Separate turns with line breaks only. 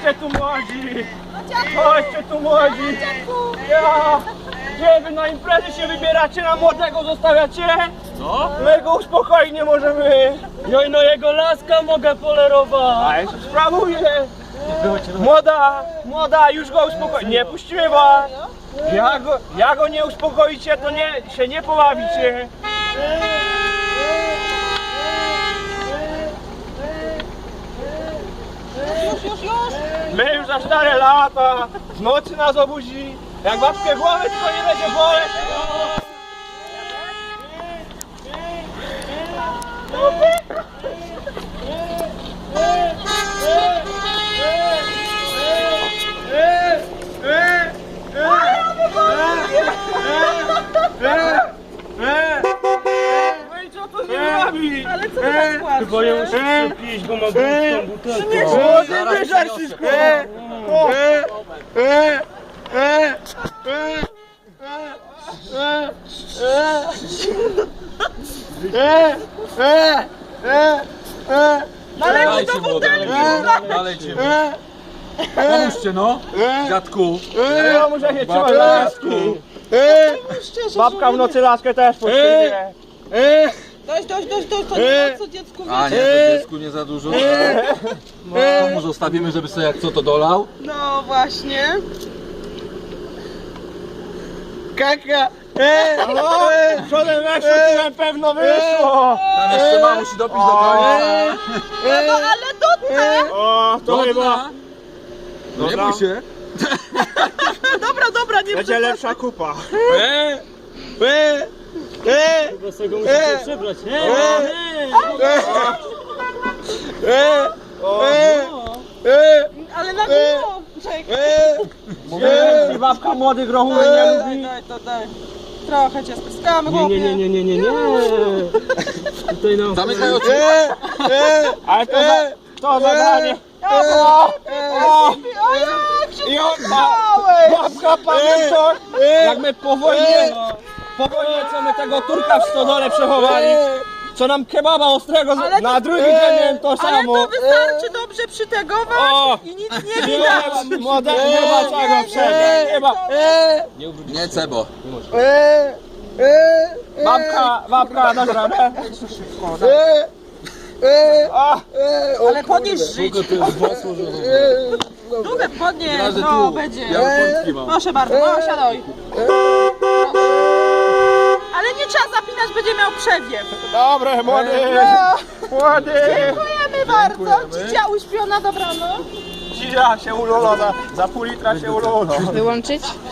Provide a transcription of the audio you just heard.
Chodźcie tu młodzi! Chodźcie tu młodzi! Ja! Gdzie wy na imprezy się wybieracie, na młodego zostawiacie?
Co?
My go uspokoić nie możemy!
Joj, no jego laska mogę polerować.
A ja się sprawuję! Młoda, już go uspokoi. Nie puścimy was! Jak go nie uspokoicie, to się nie pobawicie!
Już!
My już za 4 lata, w nocy nas obudzi, jak babkę głowy tylko nie będzie boleć. No i co to nie robi?
Ale co ty tak płaczesz?
Chyba ja muszę przepić, bo ma tą butelkę.
Młody, wyżar wszystko!
Nalejmy do butelki!
Nalejcie. Pomóżcie no, dziadku.
Ja muszę się trzymać na lasku. Babka w nocy laskę też potrzebuje.
Dość, to nie ma co dziecku
A nie,
wiecie.
to dziecku nie za dużo. To mu zostawimy, żeby sobie jak co to dolał.
No właśnie.
Kaka! Przodem weszło, tyłem pewno wyszło!
Tam jeszcze ma, musi dopić do końca.
No ale dotnę!
O, to chyba
Dobra. No nie bój się.
Dobra, nie
będzie lepsza kupa.
Chyba sobie go musicie przebrać.
Ale na górę!
I babka młodych grochów nie lubi.
Daj. Trochę cię spiskamy, chłopie.
Nie. Tutaj no.
Zamykaj oczy.
Ale to zadanie. I babka, pamiętasz, jak my po wojnie, co my tego Turka w stodole przechowali, co nam kebaba ostrego
Ale
na
to-
drugi dzień miałem to
Ale
samo.
to wystarczy dobrze przytegować
O!
i nic nie widać.
Młodego nie ma czego przejść.
Nie cebo.
Babka, dobra.
Ale podnieś żyć.
To jest włosło, że...
Długo podnieś,
Razy
no
tu.
będzie.
Ja portki mam.
Proszę bardzo, no siadaj. Ale nie trzeba zapinać, będzie miał przewiew.
Dobre, młody.
Dziękujemy bardzo. Cicia uśpiona, dobranoc.
Dzia się ululona, za pół litra się ululona.
Wyłączyć?